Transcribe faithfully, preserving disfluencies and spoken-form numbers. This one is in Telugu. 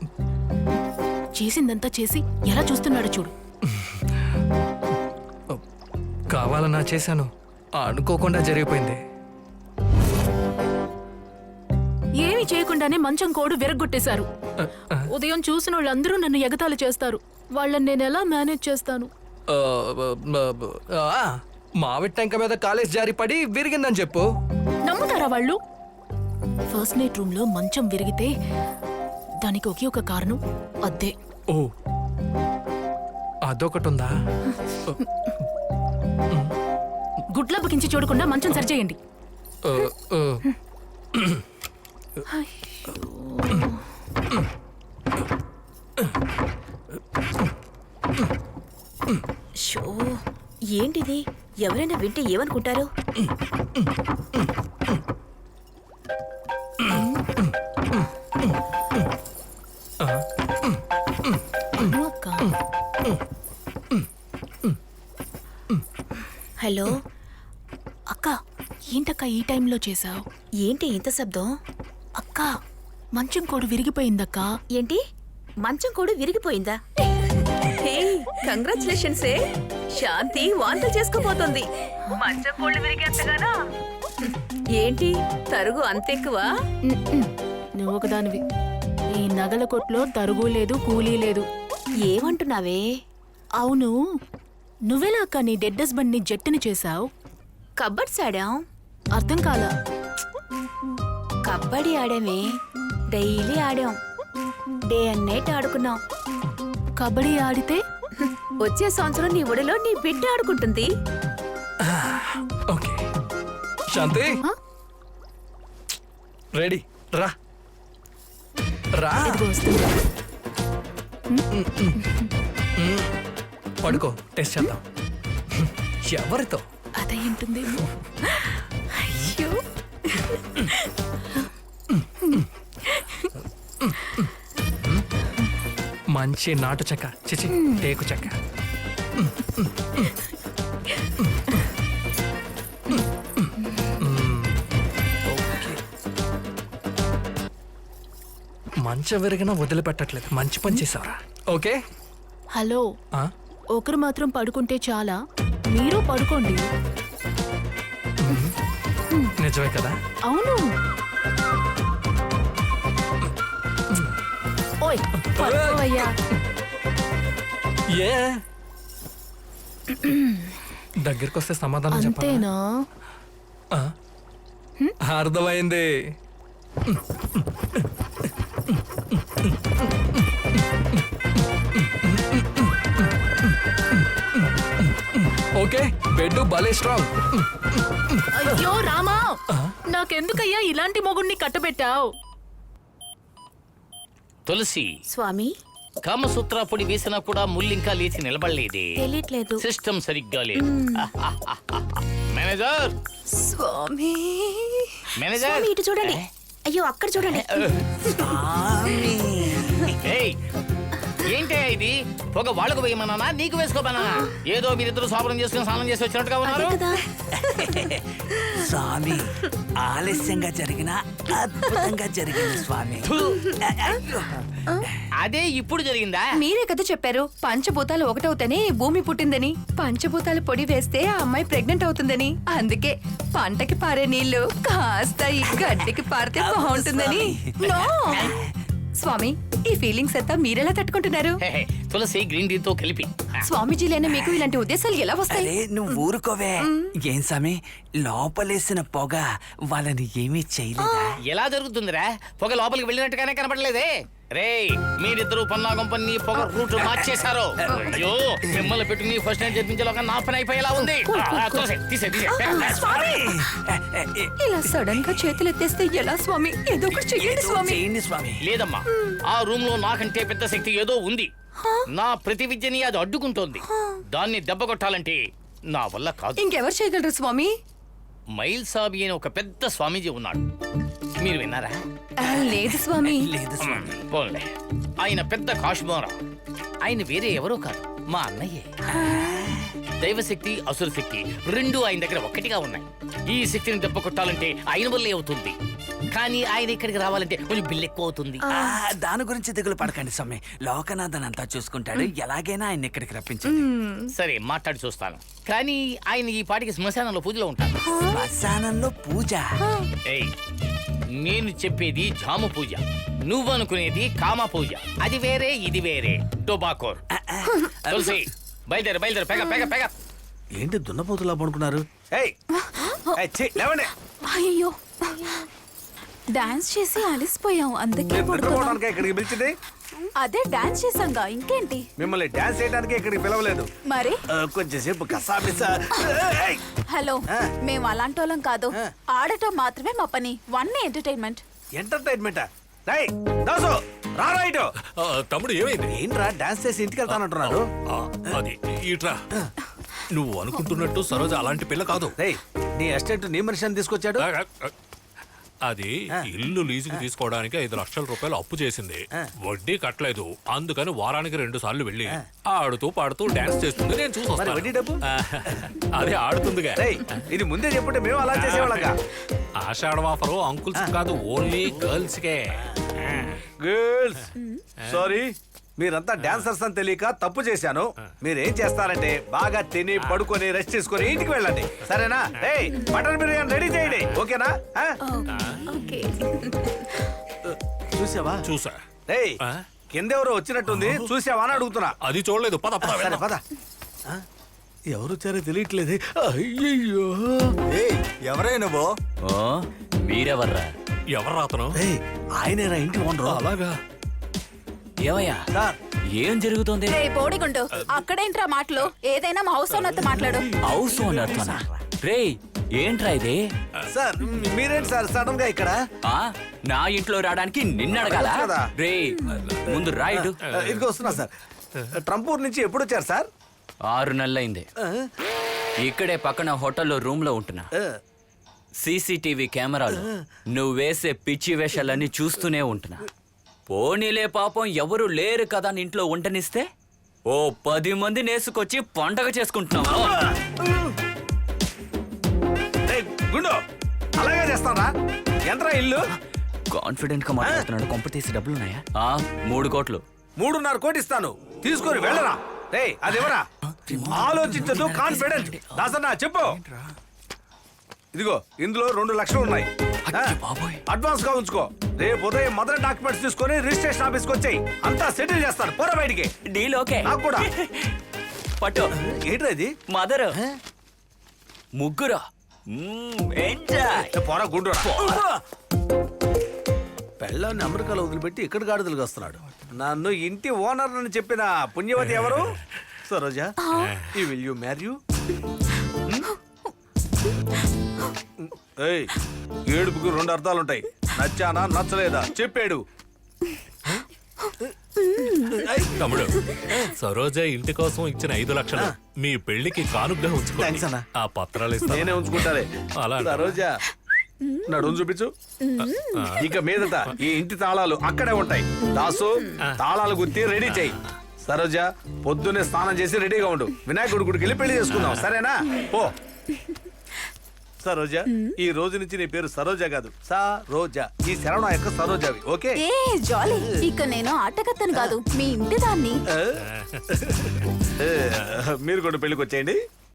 చేసిందంతా చేసి ఎలా చూస్తున్నాడు చూడు. కావాలన్నా చేశాను, అనుకోకుండా జరిగిపోయింది. ఏమీ చేయకుండానే మంచం కోడు విరగ్గొట్టేశారు. ఉదయం చూసిన వాళ్ళందరూ నన్ను ఎగతాళి చేస్తారు. వాళ్ళని నేను ఎలా మేనేజ్ చేస్తాను? మావిడి టెంక మీద కాలేజ్ జారి పడి విరిగిందని చెప్పు. నమ్ముతారా వాళ్ళు? ఫస్ట్ నైట్ రూమ్ లో మంచం విరిగితే దానికి ఒకే ఒక కారణం, అద్దే. ఓ అదొకటుందా? గుడ్ల బకించి చూడకుండా మంచం సరిచేయండి. షో ఏంటిది? ఎవరైనా వింటే ఏమనుకుంటారు? హలో అక్క, ఏంటక్క ఈ టైంలో చేసావు? ఏంటి ఇంత శబ్దం? అక్క, మంచం కోడు విరిగిపోయిందక్కా. ఏంటి మంచం కూడా విరిగిపోయిందా? కంగ్రాచులేషన్స్. శాంతి వాంతులు చేసుకోపోతుంది. మంచం కోళ్ళు విరిగేంతగానా? ఏంటి తరుగు అంతెక్కువ? నువ్వు ఒకదానివి. ఈ నగల కొట్లో తరుగు లేదు, కూలీ లేదు. ఏమంటున్నావే? అవును, నువ్వెలా అక్క నీ డెడ్ హస్బెండ్ ని జట్టుని చేశావు? కబడ్స్ ఆడాం. అర్థం కాలా? కబడ్డీ ఆడామే, డైలీ ఆడాం, డే అండ్ నైట్ ఆడుకున్నాం. కబడ్డీ ఆడితే వచ్చే సంవత్సరం నీ ఒడిలో నీ బిడ్డ ఆడుకుంటుంది. ఓకే శాంతి, రెడీ రా రా. పడుకో, టెస్ట్ చేద్దాం. ఎవరితో? అదే ఉంటుంది. అయ్యో మంచి నాటు చెక్క, చిచి టేకు చెక్క. మంచం విరిగినా వదిలిపెట్టట్లేదు. మంచి పని చేసావరా. ఓకే హలో, ఒకరు మాత్రం పడుకుంటే చాలా, మీరు పడుకోండి. నిజమే కదా? అవును. ఓయ్ పడుకోవయ్యా. ఏ దగ్గరికి వస్తే సమాధానం చెప్పాలా? అంతేనా? అర్థమైంది. ఓకే, బెడ్ భలే స్ట్రాంగ్. అయ్యో రామా, నాకెందుకయ్యా ఇలాంటి మొగుణ్ణి కట్టబెట్టావు? తులసి, స్వామి, కామసూత్ర పొడి వేసినా కూడా ముల్లింకా లేచి నిలబడలేదే. తెలియట్లేదు. సిస్టమ్ సరిగ్గా లేదు. మేనేజర్, స్వామి, మేనేజర్, స్వామి ఇటు చూడండి. అయ్యో అక్కడ చూడండి. ఏయ్, ఏంటే ఇది? ఒక వాళ్ళకు వేయమన్నా నీకు వేసుకోమన్నా? ఏదో మీరిద్దరు శోభనం చేసుకుని స్నానం చేసి వచ్చినట్టుగా ఉన్నారు. స్వామి, ఆలస్యంగా జరిగిన అద్భుతంగా జరిగింది స్వామి. అదే ఇప్పుడు జరిగిందా? మీరే కదా చెప్పారు పంచభూతాలు ఒకటవుతేనే భూమి పుట్టిందని. పంచభూతాలు పొడి వేస్తే ఆ అమ్మాయి ప్రెగ్నెంట్ అవుతుందని. అందుకే పంటకి పారే నీళ్లు కాస్త ఈ గడ్డికి పారితే బాగుంటుందని. నో స్వామి, ఈ ఫీలింగ్స్ అంతా మీరెలా తట్టుకుంటున్నారు? తులసి గ్రీన్ టీ తో కలిపి. స్వామీజీలైనా మీకు ఇలాంటి ఉద్దేశాలు ఎలా వస్తాయి? అరే నువ్వు ఊరుకోవే. ఏం స్వామి, లోపలేసిన పొగ వాళ్ళని ఏమీ చేయలేదా? ఎలా జరుగుతుందిరా? పొగ లోపలికి వెళ్ళినట్టుగానే కనపడలేదే. రే, మీరిద్దరు పన్నాగం పన్ని పొగ రూట్ మార్చేశారు. అయ్యో, మిమ్మల్ని పెట్టుకుని ఫస్ట్ నైట్ జరిపించేలోగా నా పని అయిపోయేలా ఉంది. ఇలా సడన్ గా చేతులు ఎత్తేస్తే ఎలా స్వామి? ఏదో ఒకటి చెయ్యండి స్వామి. చేయండి స్వామి. లేదమ్మా, ఆ రూమ్ లో నాకంటే పెద్ద శక్తి ఏదో ఉంది. నా ప్రతి విద్యని అది అడ్డుకుంటోంది. దాన్ని దెబ్బ కొట్టాలంటే నా వల్ల కాదు. ఇంకెవరు చేయగలరు స్వామి? మైల్ సాబి అని ఒక పెద్ద స్వామీజీ ఉన్నాడు. మీరు విన్నారా? లేదు స్వామి. లేదు స్వామి. పోన్లే, ఆయన పెద్ద కాశ్మోరా. ఆయన వేరే ఎవరో కాదు, మా అన్నయ్యే. దైవశక్తి అసుర శక్తి రెండు ఆయన దగ్గర ఒక్కటిగా ఉన్నాయి. ఈ శక్తిని దెబ్బ కొట్టాలంటే ఆయన వల్లే అవుతుంది, కానీ ఆయన ఇక్కడికి రావాలంటే కొంచెం బిల్లు ఎక్కువ అవుతుంది. ఆ, దాని గురించి దిగులు పడకండి స్వామి. లోకనాథన్ అంతా చూసుకుంటాడు. ఎలాగైనా ఆయన ఇక్కడికి రప్పించండి. సరే మాట్లాడి చూస్తాను, కానీ ఆయన ఈ పాటికి శ్మశానంలో పూజలో ఉంటారు. శ్మశానంలో పూజ. ఏయ్, నేను చెప్పేది జాము పూజ, నువ్వనుకునేది కామ పూజ. అది వేరే ఇది వేరే. టొబాకోర్. తులసి బయలుదేరు బయలుదేరు, పెగ పెగ పెగ. ఏంటి దున్నపోతులా పడుకున్నారు? ఏయ్ ఏయ్, ఛీ, లేవండి. అయ్యో డాన్స్ చేసి అలిసిపోయాం, అందుకే నిద్రపోవడానికే ఇక్కడికి పిలిచింది? అదే డాన్స్ చేసాంగా, ఇంకేంటి? మిమ్మల్ని డాన్స్ చేయడానికి ఇక్కడికి పిలవలేదు. మరి ఆ, కొంచెంసేపు కసాపిసా. ఏయ్, హలో, ఆ. మేము అలాంటి వాళ్ళం కాదు, ఆ. ఆడటం మాత్రమే మా పని. One entertainment. ఎంటర్టైన్మెంటా? రేయ్, దాసు రారా ఇటు. ఆ, తమ్ముడు ఏమైంది? ఏంట్రా డాన్స్ చేసి ఇంటికి వెళ్తానంటున్నారు? ఆ, అది ఇట్రా. నువ్వు అనుకుంటున్నట్టు సరోజ అలాంటి పిల్ల కాదు. రేయ్, నీ అసిస్టెంట్ నీ మనిషిని తీసుకొచ్చాడు. ఆ, ఆ, అది ఇల్లు లీజుకి తీసుకోవడానికి ఐదు లక్షల రూపాయలు అప్పు చేసింది. వడ్డీ కట్టలేదు, అందుకని వారానికి రెండు సార్లు వెళ్ళి ఆడుతూ పాడుతూ డాన్స్ చేస్తుంది. నేను చూసి మరి వడ్డీ డబ్బు? వస్తాను. అదే ఆడుతుందిగా. రేయ్, ఇది ముందే చెప్పుంటే మేము అలా చేసేవాళ్ళగా. ఆషాఢ ఆఫరు అంకుల్స్ కాదు, ఓన్లీ గర్ల్స్ కే. గర్ల్స్ సారీ, మీరంతా డాన్సర్స్ అని తెలియక తప్పు చేశాను. మీరేం చేస్తారంటే బాగా తిని పడుకొని రెస్ట్ తీసుకొని ఇంటికి వెళ్ళండి, సరేనా? ఏయ్, మటన్ బిర్యానీ రెడీ చేయండి, ఓకేనా? ఆ? చూసావా? చూసా. ఏయ్, ఆ? కిందెవరో వచ్చినట్టుంది, చూసావా అని అడుగుతున్నా. అది చూడలేదు. పద పద సరే వెళ్దాం. పద. ఆ? ఎవరు వచ్చారో తెలియట్లేదు. అయ్యయ్యో. ఏయ్ ఎవరే నువ్వు? మీరెవర్రా? ఎవరు అతను? ఏయ్, ఆయనేరా ఇంటి ఓనరు. అలాగా? ఏమయ్యా, సార్, ఏం జరుగుతుంది? రే బోడిగుండు, అక్కడేంట్రా మాటలు? ఏదైనా మా హౌస్ ఓనర్తో మాట్లాడు. హౌస్ ఓనర్తోనా? రేయ్, ఏంట్రా ఇది? సార్ మీరేంటి సార్ సడన్ గా ఇక్కడ? ఆ నా ఇంట్లో రావడానికి నిన్నడగాల? అడగచ్చు కదా. రే ముందు రైడు. ఆ, ఇదిగో వస్తున్నా సార్. ట్రంపూర్ నుంచి ఎప్పుడు వచ్చారు సార్? ఆరు నెలలైంది. ఆ, ఇక్కడే పక్కన హోటల్లో రూమ్ లో ఉంటున్నా. ఆ. సీసీటీవీ కెమెరాలు నువ్వు వేసే పిచ్చి వేషాలన్నీ చూస్తూనే ఉంటున్నా. పోనీలే పాపం ఎవరు లేరు కదా అని ఇంట్లో ఉండనిస్తే ఓ పది మంది నేసుకొచ్చి పండగ చేసుకుంటున్నావా? ఏయ్, గుండు అలాగే చేస్తారా? ఎంతరా ఇల్లు? కాన్ఫిడెంట్ గా మాట్లాడుతున్నాడు. కొంప తీసి డబ్బులున్నాయా? ఆ మూడు కోట్లు. మూడున్నర కోటి ఇస్తాను, తీసుకొని వెళ్ళరా. రేయ్, అది ఎవరా? ఆలోచించదు, కాన్ఫిడెంట్. దాసన్నా చెప్పు. ఇదిగో ఇందులో రెండు లక్షలు ఉన్నాయి. ఆ, బాబోయ్. అడ్వాన్స్ గా ఉంచుకో. రేపు ఉదయం మదర్ డాక్యుమెంట్స్ తీసుకొని రిజిస్ట్రేషన్ ఆఫీస్కి వచ్చాయి, అంతా సెటిల్ చేస్తాను. పోరా బయటికి. Deal okay. నాకు కూడా. పట్టు. ఏంట్రా ఇది? మదర్ ముగ్గురు. ఎంజాయ్. ఏ, పోరా గుండు. పెళ్ళాన్ని అమెరికాలో వదిలిపెట్టి ఇక్కడ గాడిదలుగా వస్తున్నాడు. నన్ను ఇంటి ఓనర్ అని చెప్పిన పుణ్యవతి ఎవరు? సరోజా, ఈ విల్ యూ మ్యారీ యూ? ఏయ్, ఏడుపుకి రెండు అర్థాలుంటాయి. నచ్చానా నచ్చలేదా చెప్పాడు. తమ్ముడు, సరోజ ఇంటి కోసం ఇచ్చిన ఐదు లక్షలు మీ పెళ్లికి కానుగ్గా Thanks ఉంచుకోండి. అన్న. ఆ పత్రాలు ఇస్తాను. నేనే ఉంచుకుంటాలే. అలా అంటావా? సరోజా, నడుము చూపించు. ఇక మీదట ఈ ఇంటి తాళాలు అక్కడే ఉంటాయి. దాసు, తాళాలు గుర్తి రెడీ చేయి. సరోజా, పొద్దున్నే స్నానం చేసి రెడీగా ఉండు. వినాయకుడి గుడికి వెళ్ళి పెళ్లి చేసుకుందాం, సరేనా? పో. సరోజా, ఈ రోజు నుంచి నీ పేరు సరోజా కాదు, సరోజా. ఈ శరవణ యొక్క సరోజావి, ఓకే? ఏ జాలీ, ఇక నేను ఆటగత్తను కాదు, మీ ఇంటి దాన్ని. ఏ, మీరు కూడా పెళ్లికి వచ్చేయండి.